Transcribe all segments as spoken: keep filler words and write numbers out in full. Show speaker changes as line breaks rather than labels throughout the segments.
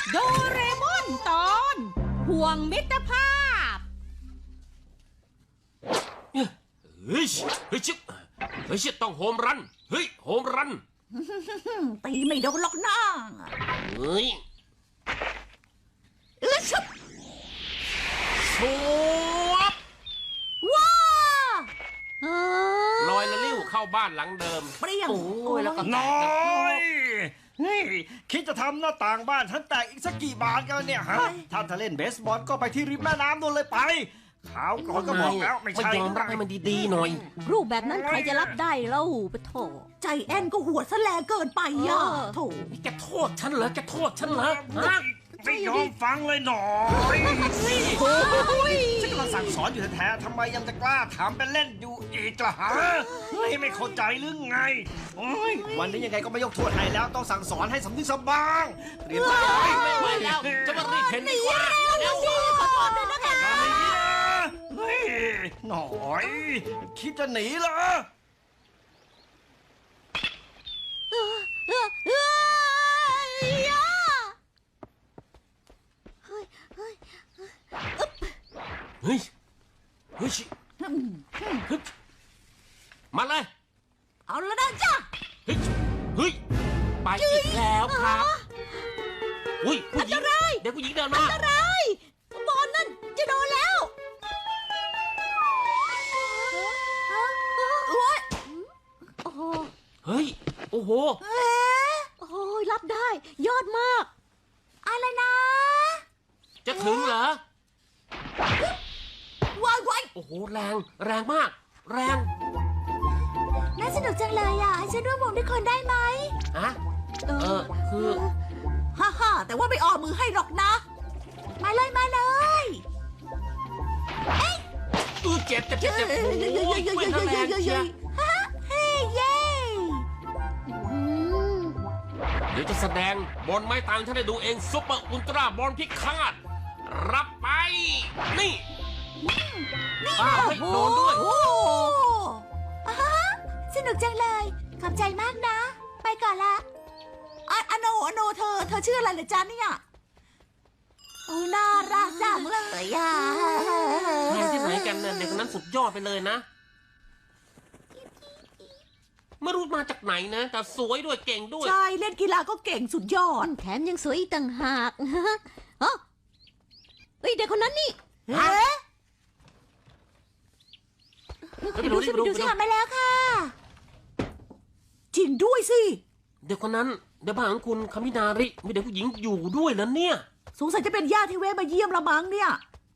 โดเรมอนตอนห่วงมิตรภาพ
เฮ้ยเฮ้ยชิบเฮ้ยชิบต้องโฮมรันเฮ้ยโฮมรัน
ตีไม่โดนหรอกนะ
เฮ้ย
เออชุบ
สวบ
ว้า
ลอยละลิ้วเข้าบ้านหลังเดิม
เปรี้ยง
โอ้ยแล้วก็
น้อยนี่คิดจะทำหน้าต่างบ้านฉันแตกอีกสักกี่บานกันเนี่ยฮะถ้าจะเล่นเบสบอลก็ไปที่ริมแม่น้ำนู่นเลยไปขาวก่อนก็บอกแล้วไม่ใช่
ยอมรับให้มันดีๆหน่อย
รูปแบบนั้นใครจะรับได้เล่าปะโถใจแอนก็หัวแสลงเกินไปอ่ะโถ
แกโทษฉันเหรอแกโทษฉันเหรอฮะ
ไม่ยอมฟังเลยหนอยฉันกำลังสั่งสอนอยู่แท้ๆทำไมยังจะกล้าถามเป็นเล่นอยู่อีกล่ะฮะเฮ้ยไม่เข้าใจหรือไงโอ้ยวันนี้ยังไงก็ไม่ยกโทษให้แล้วต้องสั่งสอนให้สำนึกสำบ้างเรียนรู้
ไม่ไหวแล้วจะมารีบเห็นดีกว่า
แล้วสิขอโทษด้วยนะคะ
เฮ้ยหน่อยคิดจะหนีเหรอ
เฮ้ยเฮ้ยมาเลย
เอาละนะจ้ะ
เฮ้ยเฮ้ยไปอีกแล้วครับอุ้ยผู้หญิงเด็กผู้หญิงเดินมา
อันตรายบอลนั่นจะโดนแล้ว
เฮ้ยโอ้โห
โอ้ยรับได้ยอดมากอะไรนะ
จะถึงเหรอ
วายวาย
โอ้โหแรงแรงมากแรง
น่าสนุกจังเลยอ่ะให้ฉันร่วมวงด้วยคนได้ไหม
ฮะเออคือ
ฮ่าฮ่าแต่ว่าไม่ออกมือให้หรอกนะมาเลยมาเลย
เอ้ยอือเจ็บเจ็บเจ็บเจ็บโอ้ยเว้ยแรงเชีย
ฮ่าเฮ้เย่
เดี๋ยวจะแสดงบอลไม้ตางฉันได้ดูเองซุปเปอร์อุลตร้าบอลพิฆาตรับไปนี่อ้าวโดนด้วย
สนุกจังเลยขอบใจมากนะไปก่อนละอโนอโนเธอเธอชื่ออะไรเหรอจ๊ะเนี่ยโอ้น่ารักจังเลยอ่ะ
เรียนที่ไหนกันเนี่ยเด็กคนนั้นสุดยอดไปเลยนะไม่รู้มาจากไหนนะแต่สวยด้วยเก่งด้วย
ใช่เล่นกีฬาก็เก่งสุดยอด
แถมยังสวยอีกต่างหากฮะเฮ้ยเด็กคนนั้นนี่
เฮ้
ไปดูสิไปดูสิ
มาแล้วค่ะจริงด้วยสิ
เด็กคนนั้นเด็กบ้านของคุณคามินาริมีเด็กผู้หญิงอยู่ด้วยนะเนี่ย
สงสัยจะเป็นญาติที่แวะมาเยี่ยมละมั้งเนี่ย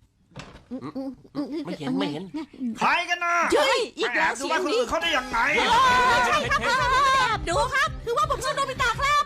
ไม่เห็นไม่เห็น
ใครกันนะ
เฮ้ยอีกแล้ว
เสียงนี้เขาได้ยังไง
ใช่ครับครับดูครับคือว่าผมชื่อโนบิตะครับ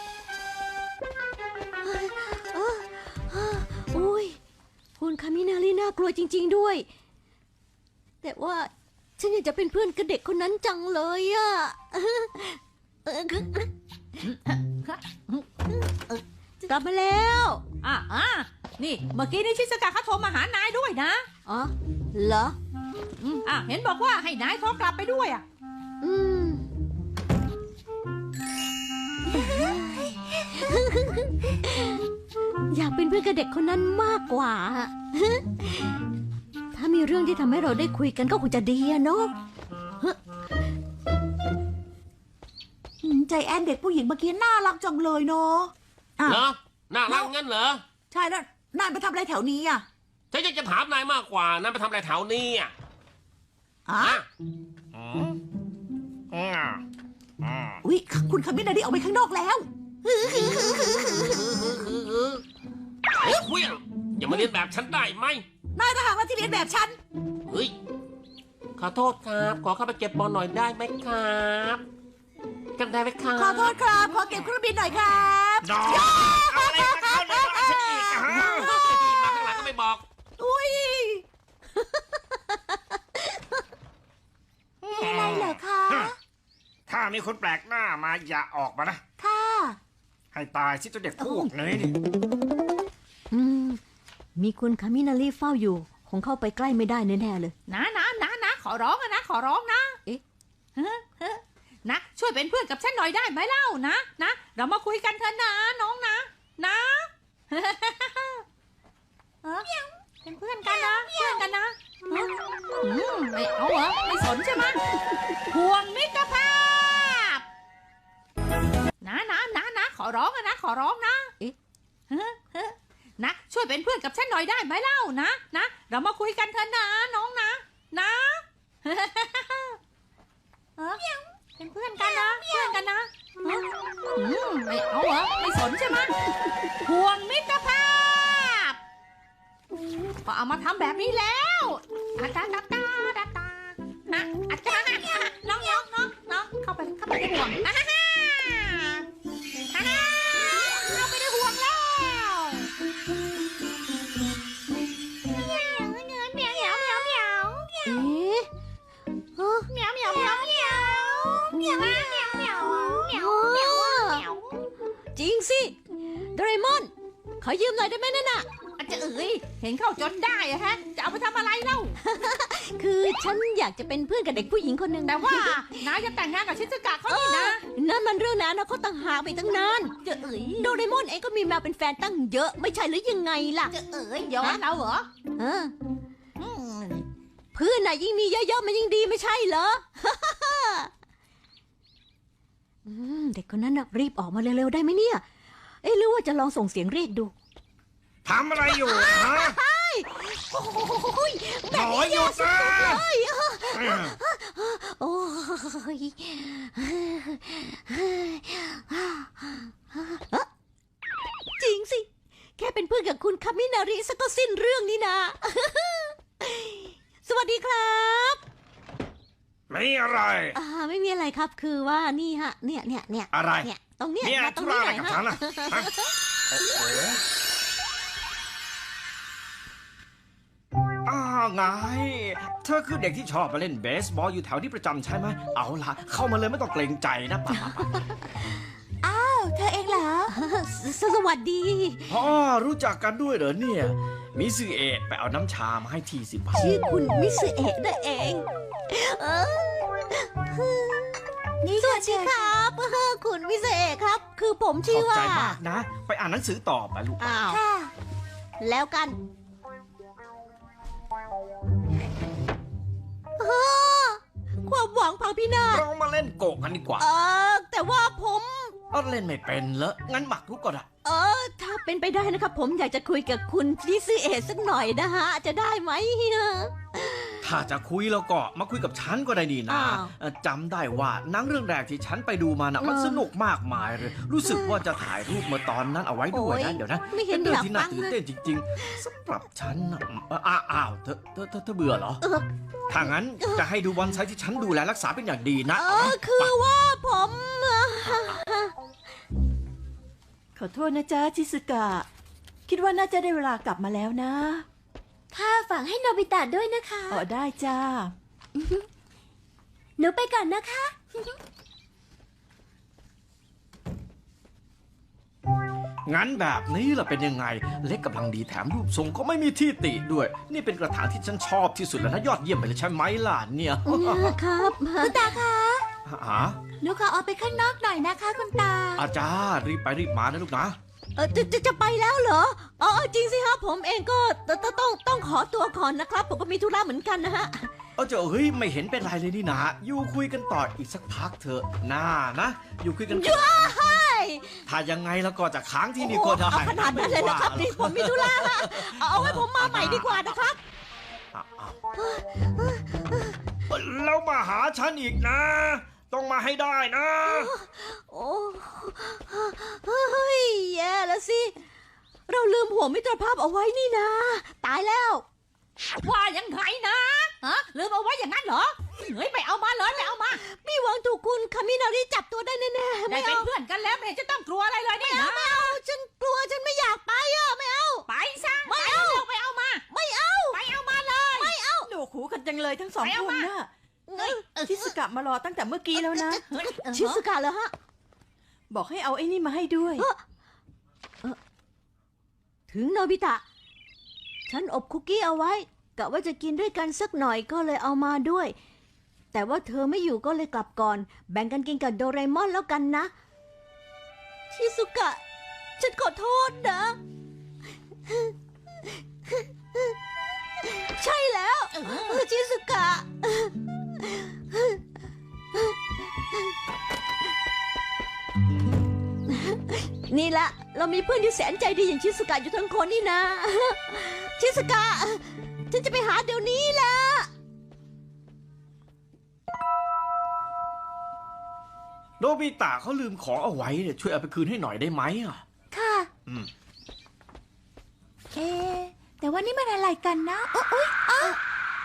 อุ้ยคุณคามินาริน่ากลัวจริงๆด้วยแต่ว่าฉันอยากจะเป็นเพื่อนกับเด็กคนนั้นจังเลยอะกลับมาแล้ว
อ่ะอ่ะนี่เมื่อกี้นี่ชิสกะเขาโทรมาหานายด้วยนะ
อ๋อเหรอ
อ่ะเห็นบอกว่าให้นายโทรกลับไปด้วยอ่ะ
อืมอยากเป็นเพื่อนกับเด็กคนนั้นมากกว่าถ้ามีเรื่องที่ทำให้เราได้คุยกันก็คงจะดีอะเนาะ
ใจแอนเด็กผู้หญิงเมื่อกี้น่ารักจังเลยเนาะ
เหรอน่ารักงั้นเหรอ
ใช่แล้วนายไปทำอะไรแถวนี้อ่ะ
ฉันอยากจะถามนายมากกว่านายไปทำอะไรแถวนี้อ่ะ
อ๋ออุ้ยคุณคามินาริออกไปข้างนอกแล้ว
เฮ้ยคุยอย่ามาเรียนแบบฉันได้ไหม
นายทหารที่เรียนแบบฉัน
เฮ้ยขอโทษครับขอเข้าไปเก็บบอลหน่อยได้ไหมครับกันได้ไหมครับ
ขอโทษครับขอเก็บเครื่องบินหน่อยครับ
ดอกอะไรมาเข้าในบ้านฉันอีกฮะ
มาข้างหลังก็ไม่บอก
อุ้ยมีอะไรเหรอคะ
ถ้ามีคนแปลกหน้ามาอย่าออกมานะ
ค่ะ
ให้ตายสิตัวเด็กพวกนี้
อืมมีคุณคามินาริเฝ้าอยู่คงเข้าไปใกล้ไม่ได้แน่ๆเลย
นะนะนะนะขอร้องนะขอร้องนะเอ๊ะนะช่วยเป็นเพื่อนกับฉันหน่อยได้ไหมเล่านะนะเรามาคุยกันเถอะนะน้องนะนะ
อืมไม่เอาเหรอไม่สนใช่ไหมห่วงมิตรภาพนะนะนะนะขอร้องอะนะขอร้องนะเอ๊ะเฮ้อเฮ้อนะช่วยเป็นเพื่อนกับฉันหน่อยได้ไหมเล่านะนะเรามาคุยกันเถอะนะน้องนะนะเออเป็นเพื่อนกันนะเพื่อนกันนะอืมไม่เอาเหรอไม่สนใช่ไหมห่วงมิตรภาพก็เอามาทำแบบนี้แล้วอาตาตาตาตาตานะอาจารย์น้องน้องน้องน้องเข้าไปเข้าไปในห่วงอ่าฮ่าฮ่าฮ่าเข้าไปในห่วงแล้วเหมียวเหมียวเหมียวเหมียวเหมียวเหมียว
เอ๊ะฮะ
เหมียวเหมียวเหมียวเหมียวเหมียวเหมียวเหมียวเหมียวเหมียวเหมียวเหมียว
จริงสิโดเรมอนขอยืมหน่อยได้ไหมนั่นน่ะ
อาจจะเอ๋ยเห็นเข้าจนได้อะฮะจะเอาไปทำอะไรเล่า
คือฉันอยากจะเป็นเพื่อนกับเด็กผู้หญิงคนหนึ่ง
แต่ว่านายจะแต่งงานกับชิซุกะเขานี่นะ
นั่นมันเรื่องนั้นนะเขาตั้งหากไปตั้งนาน
จะเอ๋ย
โดเรมอนเองก็มีแมวเป็นแฟนตั้งเยอะไม่ใช่หรือยังไงล่ะ
จะเอ๋ยย้อนเราเหรอ
เออ
อืม
เพื่อนน่ะยิ่งมีเยอะๆมันยิ่งดีไม่ใช่เหรอ อืมเด็กคนนั้นน่ะรีบออกมาเร็วๆได้ไหมเนี่ย เอ๊ะหรือว่าจะลองส่งเสียงเรียกดู
ทำอะไรอยู่ฮะ
โอ้ย
หนอยหยุดนะ
เอ้ยโอ้ยจริงสิ แค่เป็นเพื่อนกับคุณคามินาริซะก็สิ้นเรื่องนี่นะ สวัสดีครับ
ไม่อะไร
อ่าไม่มีอะไรครับคือว่านี่ฮะ เนี่ยเนี่ยเนี่ย
อะไร
เนี่ยตรงเนี้ย
เนี่ย
มาตร
ธุ
ง
ระ
นี้
อะไร
หน่อย
กับ
ฮะ
ฉันล่ะฮะโอ้โหอ้าวไง เธอคือเด็กที่ชอบมาเล่นเบสบอลอยู่แถวที่ประจำใช่ไหม เอาล่ะ เข้ามาเลยไม่ต้องเกรงใจนะป่า
อ้าวเธอเองเหรอ
สสวัสดี
พ่อรู้จักกันด้วยเหรอเนี่ย มิซึเอะไปเอาน้ำชามาให้ทีสิป่า
ชื่อคุณมิสเอะนั่นเองเออ
นี่
สวัสดีครับเออคุณมิสเอะครับ คือผม
ข
ชื่
อ
อบ ว่า
ใจมากนะ ไปอ่านหนังสือต่อไปลูก
อ้าว
ค่ะ
แล้วกันเออความหวังพังพินาศ
เรามาเล่นโกะกันดีกว่า
เออแต่ว่าผม
เอาเล่นไม่เป็นเหรองั้นหมักรุกก็ได้
เออ ถ้าเป็นไปได้นะครับ ผมอยากจะคุยกับคุณมิสเอะสักหน่อยนะฮะ จะได้ไหม
ถ้าจะคุยแล้วก็มาคุยกับฉันก็ได้ดีนะ
อ้าว
เอ่อจำได้ว่าหนังเรื่องแรกที่ฉันไปดูมานะมัน
เออ
สนุกมากมายเลย รู้สึกว่าจะถ่ายรูปเมื่อตอนนั้นเอาไว้ด้วยนะ
โอ้ย
เดี๋ยวนะ
ไม่เห็น
ป็นเรื่
อยาก
ที่น่า
ฟัง
ตื่น
เลย
เต้นจริง ๆสำหรับฉันนะเอ่ออ้าวอ้าวเธอเธอเธอเธอเบื่อเหรอ
เออ
ถ้างั้นจะให้ดูบอนไซต์ที่ฉันดูแลรักษาเป็นอย่างดีนะ
เอ
เอาไหม
อคือว่าผม
ขอโทษนะจ๊ะชิสกะ คิดว่าน่าจะได้เวลากลับมาแล้วนะ
ค่ะฝากให้โนบิตะด้วยนะคะ
อ๋อได้จ้า
หนูไปก่อนนะคะ
งั้นแบบนี้ล่ะเป็นยังไง เล็กกำลังดีแถมรูปทรงก็ไม่มีที่ติด้วย นี่เป็นกระถางที่ฉันชอบที่สุดแล้วนะยอดเยี่ยมไปเลยใช่ไหมล่ะเนี่ย
ครับ
คุณตาคะ
หา
หนูขอออกไปข้างนอกหน่อยนะคะคุณตา
อาจารย์รีบไปรีบมานะลูกนะ
เออจะจะจะไปแล้วเหรออ๋อจริงสิครับผมเองก็ตตต้องต้องขอตัวก่อนนะครับ ผมก็มีธุระเหมือนกันนะฮะ
เออเจ้าเฮ้ยไม่เห็นเป็นไรเลยนี่นะอยู่คุยกันต่ออีกสักพักเถอะน่านะอยู่คุยกันก่อน
ใช่
ถ้ายังไงแล้วก็จะค้างที่นี่ก็ได้
เอาขนาดนั้นเลยนะครับนี่ผมมีธุระฮะเอาเอาไว้ผมมาใหม่ดีกว่านะครับ
อ่ะอ่ะแล้วมาหาฉันอีกนะ ต้องมาให้ได้นะ
โอ้เฮ้ยแย่แล้วสิ เราลืมห่วงมิตรภาพเอาไว้นี่นะ ตายแล้ว
ว่ายังไงนะฮะลืมเอาไว้อย่างนั้นเหรอเฮ้ยไปเอามาเลยไปเอามา
มีหวังถูกคุณคามินาริจับตัวได้แน่ๆ
ได้
ไม่
เป็น
เอา
เพื่อนกันแล้วไม่เห็นจะต้องกลัวอะไรเลยนี่
ไม่เอา
นะ
ไม่เอาฉันกลัวฉันไม่อยากไปอ่ะไม่เอา
ไปซะ
ไม่เอา
ไปเอามา
ไม่เอา
ไปเอามาเลย
ไม่เอา
หนูหูกันจังเลยทั้งสอง
ไป
ค
เอา
น
มา
น่ะ
เฮ้ย
ชิสกะมารอตั้งแต่เมื่อกี้แล้วนะ
เฮ้ย
ชิสุกะเหรอฮะ
บอกให้เอาไอ้นี่มาให้ด้วย
ถึงโนบิตะ ฉันอบคุกกี้เอาไว้กะว่าจะกินด้วยกันสักหน่อยก็เลยเอามาด้วย แต่ว่าเธอไม่อยู่ก็เลยกลับก่อน แบ่งกันกินกับโดเรมอนแล้วกันนะ ชิสุกะ ฉันขอโทษนะ ชิใช่แล้วชิสุกะ นี่ละเรามีเพื่อนที่แสนใจดีอย่างชิสุกะอยู่ทั้งคนนี่นะ ชิสุกะ ฉันจะไปหาเดี๋ยวนี้ละ
โนบิตะเขาลืมของเอาไว้เนี่ยช่วยเอาไปคืนให้หน่อยได้ไหมอ่ะ
ค่ะ
อืม
เอ๊ะแต่ว่านี่มันอะไรกันนะโอ๊ยอ๊ะ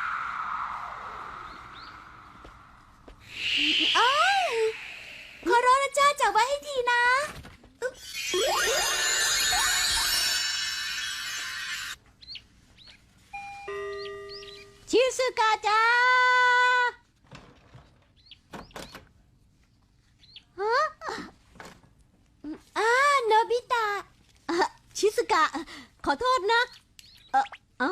อ้าวขอร้องนะจ้าจับไว้ให้ทีนะอึ๊บ
ชิสุกะจ้าฮะ
อ่าโนบิตะ
อ่ะชิสุกะ ขอโทษนะ เอออ้าว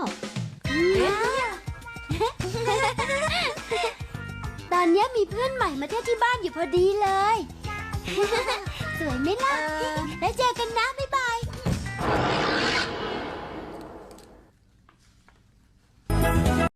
ตอนนี้มีเพื่อนใหม่มาเที่ยวที่บ้านอยู่พอดีเลย สวยไหมล่ะ แล้วเจอกันนะ บ๊าย